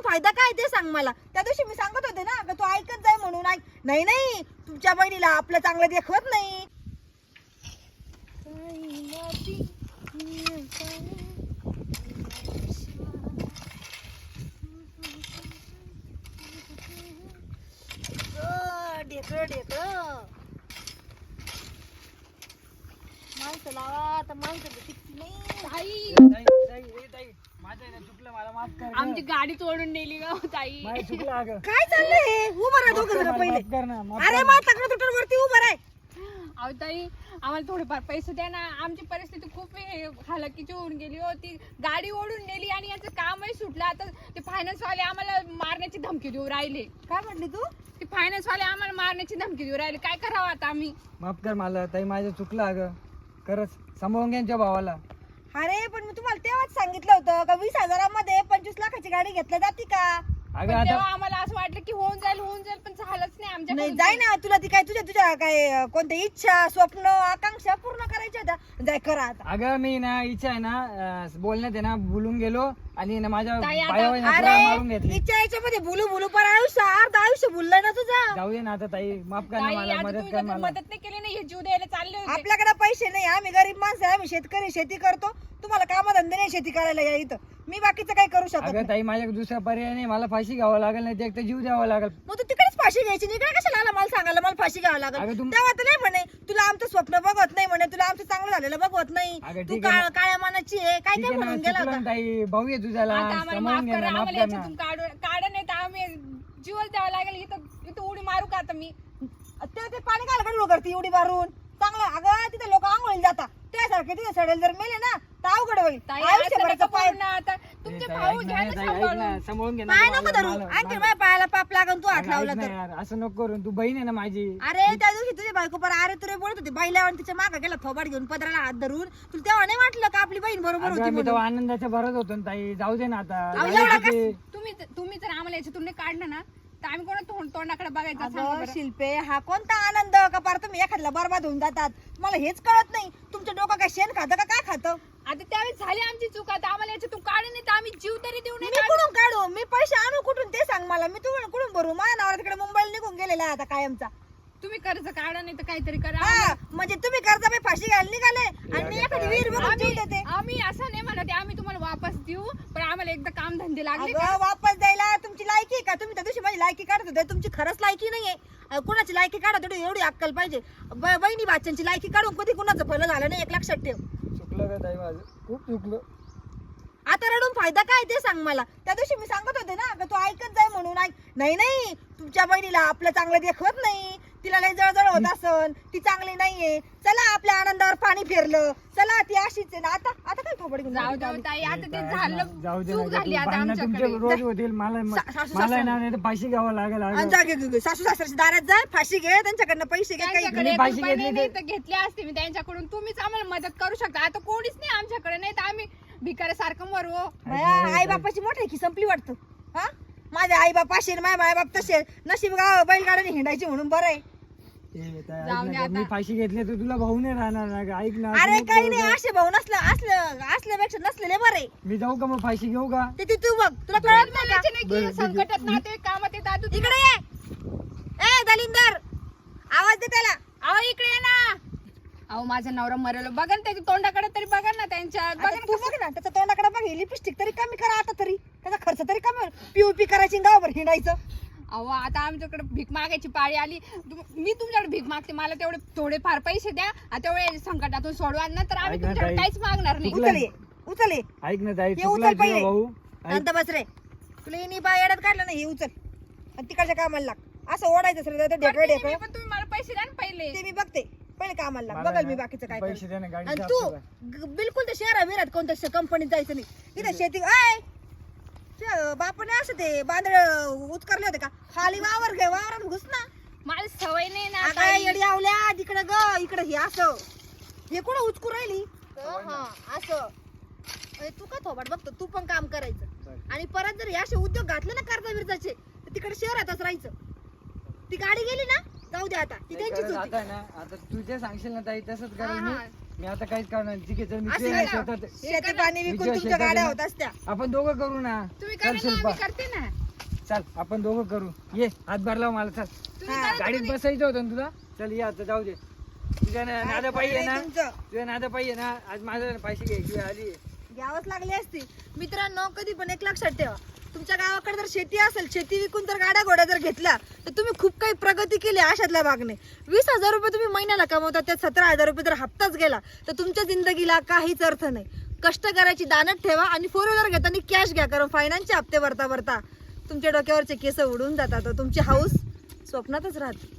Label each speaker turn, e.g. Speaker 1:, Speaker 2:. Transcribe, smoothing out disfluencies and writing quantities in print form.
Speaker 1: फायदा काय ते सांग मला. त्या दिवशी मी सांगत होते ना का तू ऐकत जाय म्हणून. नाही नाही, तुमच्या बहिणीला आपलं चांगलं देखवत नाही. ढेकळं ढेकळं माणसं लावा तर माणसं टिकती नाही.
Speaker 2: आमची गाडी तोडून नेली ग ताई.
Speaker 1: काय चाललंय? उभं राहा दोघं जण पहिले. अरे मग तक्रार तुटर वरती उभं राह.
Speaker 2: अहो ताई, आम्हाला थोडेफार पैसे द्या ना. आमची परिस्थिती खूप हालाकीची होऊन गेली होती. गाडी ओढून नेली आणि याचं कामही सुटलं. आता ते फायनान्स वाले आम्हाला मारण्याची धमकी देऊ राहिले.
Speaker 1: काय म्हटली तू?
Speaker 2: ते फायनान्स वाले आम्हाला मारण्याची धमकी देऊ राहिले. काय करावं आता आम्ही?
Speaker 3: माफ कर मला ताई, माझं चुकलं अगं. खरंच सांभाळून घ्या भावाला.
Speaker 1: अरे पण मी तुम्हाला तेव्हाच सांगितलं होतं का 20,000 25 लाखाची गाडी घेतल्या जाते का?
Speaker 3: अगं
Speaker 2: पण तेव्हा
Speaker 3: आता
Speaker 2: आम्हाला असं वाटलं की होऊन जाईल पण झालंच नाही
Speaker 1: नाही
Speaker 2: आमच्याकडून.
Speaker 1: जाय ना. तुला ती काय तुझ्या काय कोणत्या इच्छा स्वप्न आकांक्षा पूर्ण करायच्या होत्या? जाय करा आता.
Speaker 3: अगं मी ना इच्छा आहे ना बोलण्यात आहे ना बोलून गेलो आणि ना माझ्या
Speaker 2: ताई, आता-
Speaker 3: पायावर ना तुला मारून
Speaker 1: अरे
Speaker 3: घेतली.
Speaker 1: इच्छा याच्यामध्ये बोलू बोलू पण अर्ध आयुष्य बोललंय ना तुझं.
Speaker 3: जाऊ दे ना आता ताई, माफ कर ना
Speaker 2: ताई,
Speaker 3: मला,
Speaker 2: आता
Speaker 3: मदत
Speaker 2: तुम्ही
Speaker 3: कर
Speaker 2: जर
Speaker 3: मला.
Speaker 2: मदत नाही केली ना, हे जीव द्यायला चालले होते.
Speaker 1: आपल्याकडे पैसे नाही, आम्ही गरीब माणसं आहे, आम्ही शेतकरी, शेती करतो. तुम्हाला कामधंदे नाही शेती करायला या इथं. मी बाकीचं काही करू शकत
Speaker 3: अगं
Speaker 1: नाही.
Speaker 3: ताई, माझ्या दुसरा पर्याय नाही. मला फाशी घ्यावं लागेल, नाही एक तर जीव द्यावा लागेल.
Speaker 1: मग तू तिकडेच फाशी घ्यायची. इकडे कशाला आला मला सांगायला मला फाशी घ्यावं लागेल?
Speaker 3: अगं तुम-
Speaker 1: तेव्हा तर नाही म्हणे तुला आमचं स्वप्न बघवत नाही, म्हणे तुला आमचं चांगलं झालेलं बघवत नाही.
Speaker 3: अगं
Speaker 1: तू
Speaker 3: ठीक आहे ना.
Speaker 1: काळ्या मनाची आहे. काय
Speaker 3: ठीक
Speaker 1: काय
Speaker 3: आहे ना,
Speaker 1: म्हणून गेला
Speaker 3: चुकलं
Speaker 1: होता?
Speaker 3: ना ताई, भाऊ आहे तुझ्याला,
Speaker 2: आता आम्हाला
Speaker 3: सांभाळून
Speaker 2: माफ
Speaker 3: घे ना,
Speaker 2: करा.
Speaker 3: माफ
Speaker 2: आम्हाला
Speaker 3: कर ना.
Speaker 2: याच्यातून काढ नाही तर आम्ही जीवच द्यावं लागेल. इथं उडी मारू का आता मी?
Speaker 1: ते पाणी घाल कडू करते एवढी मारून. चांगलं अगं तिथे लोक आंघोळीला जातात. त्यासारखे तिथे सडेल जर मेले ना तर अवघड होईल.
Speaker 2: ताई,
Speaker 1: आयुष्यभराचं
Speaker 2: असं
Speaker 1: पाय
Speaker 2: नका बोलू ना आता. तुमचे
Speaker 3: ताई,
Speaker 2: भाऊ
Speaker 3: ऐक
Speaker 2: घ्या
Speaker 3: ना,
Speaker 2: ना
Speaker 3: ताई, ऐक
Speaker 2: सांभाळून.
Speaker 3: ना, सांभाळून घे ना
Speaker 1: पाय
Speaker 3: मला-
Speaker 1: नको धरू.
Speaker 3: मला-
Speaker 1: आणखी
Speaker 3: मला-
Speaker 1: माझ्या पायाला पाप लागून तू हात
Speaker 3: अगं,
Speaker 1: लावला
Speaker 3: ऐक ना
Speaker 1: तर.
Speaker 3: यार, असं नको करून. तू बहीण आहे ना माझी.
Speaker 1: अरे त्या दिवशी तुझी बायको पर अरे तुरे बोलत होती बाईला आणि तिच्या मागे गेला थोबाड घेऊन पदराला हात धरून. तुला तेव्हा नाही वाटलं का आपली बहीण बरोबर होती
Speaker 3: अगं, मी
Speaker 1: म्हणून?
Speaker 3: तेव्हा आनंदाच्या भरत होतो ना ताई. जाऊ दे ना आता.
Speaker 1: अहो,
Speaker 3: झालं
Speaker 1: एवढा
Speaker 3: किती?
Speaker 2: तुम्ही जर आम्हाला याच्यातून नाही काढलं ना तर आम्ही कोणा तोंडाकडे बघायचं सांगा
Speaker 1: अगं
Speaker 2: बरं.
Speaker 1: शिल्पे, हा कोणता आनंद का पार तुम्ही एखाद्याला बरबाद होऊन जातात? मला हेच कळत नाही. तुमचं डोकं काय शेण खातं का काय खातं?
Speaker 2: आता त्यावेळेस झाली आमची चूक. आता आम्हाला याच्यातून काढून नाही तर आम्ही जीव तरी देऊ
Speaker 1: मी
Speaker 2: नये.
Speaker 1: कुठून काढू? मी पैसे आणू कुठून ते सांग मला. मी तुम्हाला कुठून भरू? माझ्या नवरा तिकडे मुंबईला निघून गेलेला आहे आता कायमचा.
Speaker 2: तुम्ही कर्ज काढा नाही तर काहीतरी करा.
Speaker 1: हा म्हणजे तुम्ही कर्जाबाई फाशी घ्यायला निघाले आणि मी एखादी विहीर बघून जीव देते.
Speaker 2: आम्ही असं नाही म्हणत आहे, आम्ही तुम्हाला वापस देऊ पण आम्हाला एकदा काम धंदे लागले का?
Speaker 1: अगं वापस द्यायला तुमची लायकी आहे का? तुम्ही त्या दिवशी माझी लायकी काढत होते. तुमची खरंच लायकी नाहीये. कुणाची लायकी काढत होते एवढी अक्कल पाहिजे. बहिणी बाच्यांची लायकी काढून कधी कुणाचं भलं झालं नाही एक लक्षात ठेव.
Speaker 3: चुकलं का ताई माझं? खूप चुकलं.
Speaker 1: आता रडून फायदा काय ते सांग मला. त्या दिवशी मी सांगत होते ना का तू ऐकत जाय म्हणून. नाही नाही, तुमच्या बहिणीला आपलं चांगलं देखवत नाही. तिला लय जळजळ होत असन. ती चांगली नाहीये. चला आपल्या आनंदावर पाणी फिरलं. चला ती अशीच आहे ना. आता काय थोबड घेऊन
Speaker 2: जाऊ
Speaker 1: जाते
Speaker 2: जाऊ
Speaker 1: आम्ही?
Speaker 2: ताई, आता ते
Speaker 3: ताई,
Speaker 2: झालं.
Speaker 3: जाऊ दे
Speaker 2: चूक
Speaker 3: ना,
Speaker 2: झाली आता
Speaker 3: भांडणं तुमचे
Speaker 2: आमच्याकडे.
Speaker 3: रोज होतील. मला
Speaker 1: सासू
Speaker 3: मला ना नाही तर फाशी घ्यावं लागेल.
Speaker 1: आणि
Speaker 3: अगं.
Speaker 1: जा घे सासू सासऱ्याच्या दारात जाय, फाशी घे, त्यांच्याकडनं पैसे घे. काही
Speaker 2: त्यांच्याकडे एक
Speaker 3: पैसे
Speaker 2: रुपया
Speaker 3: घेतले
Speaker 2: नाही
Speaker 3: ते-
Speaker 2: तर घेतले असते मी त्यांच्याकडून. तुम्हीच आम्हाला मदत करू शकता. आता कोणीच नाही आमच्याकडे. नाही तर आम्ही भिकाऱ्यासारखं मरू.
Speaker 1: आई बापाची मोठी की संपली वाटतं. हा माझे आई बाप असे माझे आई बाप तसे. नशीब गाव बैलगाड्याने हिंडायची म्हणून बरं आहे.
Speaker 3: ए, ताई, ऐक
Speaker 2: जाऊ
Speaker 3: ना,
Speaker 2: दे आता.
Speaker 3: मी फाशी घेतली तर तुला भाऊ नाही राहणार ना गं. ऐक ना.
Speaker 1: अरे
Speaker 3: असं नको
Speaker 1: काही
Speaker 3: करू
Speaker 1: नाही,
Speaker 3: गं.
Speaker 1: असे भाऊ असल्यापेक्षा नसलेले बरे.
Speaker 3: मी जाऊ का मग फाशी घेऊ का?
Speaker 1: ते तू बघ, तुला कळत नाही का?
Speaker 2: बोलायचे नाही
Speaker 3: बरं,
Speaker 2: की
Speaker 3: ठीक आहे.
Speaker 2: संकटात नाते कामात येतात. दादू
Speaker 1: इकडे ये. ए दलिंदर, आवाज दे त्याला.
Speaker 2: अहो इकडे ये ना. अहो माझा नवरा मरेलो. बघा ना त्याच्या तोंडाकडे तरी बघा ना. त्यांच्या
Speaker 1: आता
Speaker 2: बघा
Speaker 1: तू
Speaker 2: ना
Speaker 1: बघ ना त्याच्या तोंडाकडे बघ. लिपस्टिक तरी कमी करा आता तरी. त्याचा खर्च तरी कमी होईल. पीओपी करायची गावभर हिंडायचं.
Speaker 2: अहो आता आमच्याकडे भीक मागायची पाळी आली. मी तुमच्याकडे भीक मागते. मला तेवढे थोडेफार पैसे द्या. तेवढे संकटातून सोडवा ना तर आम्ही
Speaker 3: ऐक ना
Speaker 2: तुमच्याकडे
Speaker 3: ताई.
Speaker 2: काहीच मागणार नाही.
Speaker 1: उचल ये, उचल ये.
Speaker 3: ऐक ना ताई,
Speaker 1: हे
Speaker 3: चुकला
Speaker 1: उचल
Speaker 3: तुझा
Speaker 1: पहिले.
Speaker 3: भाऊ. ऐक.
Speaker 1: शांत बस रे. तुला इनी बाय येड्यात काढलं नाही, हे उचल आणि तिकडच्या कामाला लाग. असं ओढायचं सर ढेकळ
Speaker 2: करते नाही
Speaker 1: ढेकळ.
Speaker 2: मी, पण तुम्ही मला पैसे द्या ना पहिले.
Speaker 1: ते मी बघते. पहिले कामाला लाग.
Speaker 3: मला
Speaker 1: बघल
Speaker 3: ना
Speaker 1: मी बाकीचं काय
Speaker 3: पैसे
Speaker 1: करायचं.
Speaker 3: दे ना, गाडीचा
Speaker 1: आणि तू
Speaker 3: हप्ता भर.
Speaker 1: बिलकुल त्या शहरा विरात कोणत्या कंपनीत जायचं नाही. इथं शेती आय बापाने असं ते बांधळ उचकरले होते का? खाली वावरात घुस ना.
Speaker 2: मला सवय नाही ना
Speaker 1: अगं
Speaker 2: ताई.
Speaker 1: येडी आवल्या तिकडं ग इकडं हे असं हे कुठं उचकू राहिली. हा असं अरे तू का थोबाड बघतो? तू पण काम करायचं आणि परत जर हे असे उद्योग घातले ना कर्जा विरजाचे तर तिकडे शहरातच राहायचं. ती गाडी गेली ना जाऊ दे आता. ती
Speaker 3: ते
Speaker 1: त्यांचीच
Speaker 3: करत
Speaker 1: होती.
Speaker 3: आता ना, आता तू जे सांगशील ना ताई तसंच
Speaker 2: हा,
Speaker 3: करेल
Speaker 2: हा.
Speaker 3: मी. मी आता काहीच करणार नाही. ठीक आहे चल मी
Speaker 1: असं
Speaker 3: तुझ्या
Speaker 1: करा.
Speaker 3: शेतात
Speaker 1: शेती पाणी विकून
Speaker 3: विजय
Speaker 1: तुमच्या गाड्या
Speaker 3: शेतात
Speaker 1: होत असत्या.
Speaker 3: आपण दोघं करू ना.
Speaker 2: तुम्ही
Speaker 3: चल
Speaker 2: करा ना,
Speaker 3: शिल्पा
Speaker 2: मी करते ना.
Speaker 3: चल आपण दोघं करू. ये हातभार लाव मला. चल
Speaker 2: तुम्ही
Speaker 1: हा,
Speaker 2: करा ना,
Speaker 3: गाडीत
Speaker 2: तुम्ही.
Speaker 3: बसायचं होतं ना तुला. चल ये आता जाऊ दे. तुझ्या नादा पाहिजे ना,
Speaker 1: तुमचं
Speaker 3: तुझ्या नादा पाहिजे ना. आज माझ्या पैसे घ्यायची वेळ आली.
Speaker 1: घ्यावंच लागली असती. मित्रांनो कधी पण एक लक्षात ठेवा, तुमच्या गावाकडे जर शेती असेल, शेती विकून जर गाड्या घोड्या जर घेतल्या तर तुम्ही खूप काही प्रगती केली अशातल्या भागने. 20,000 रुपये तुम्ही महिन्याला कमवता, त्यात 17,000 रुपये जर हप्ताच गेला तर तुमच्या जिंदगीला काहीच अर्थ नाही. कष्ट करायची दानत ठेवा आणि 4 व्हीलर घेताना कॅश घ्या, कारण फायनान्सचे हप्ते भरता भरता तुमच्या डोक्यावरचे केस उडून जातात. तुमची हाऊस स्वप्नातच राहते.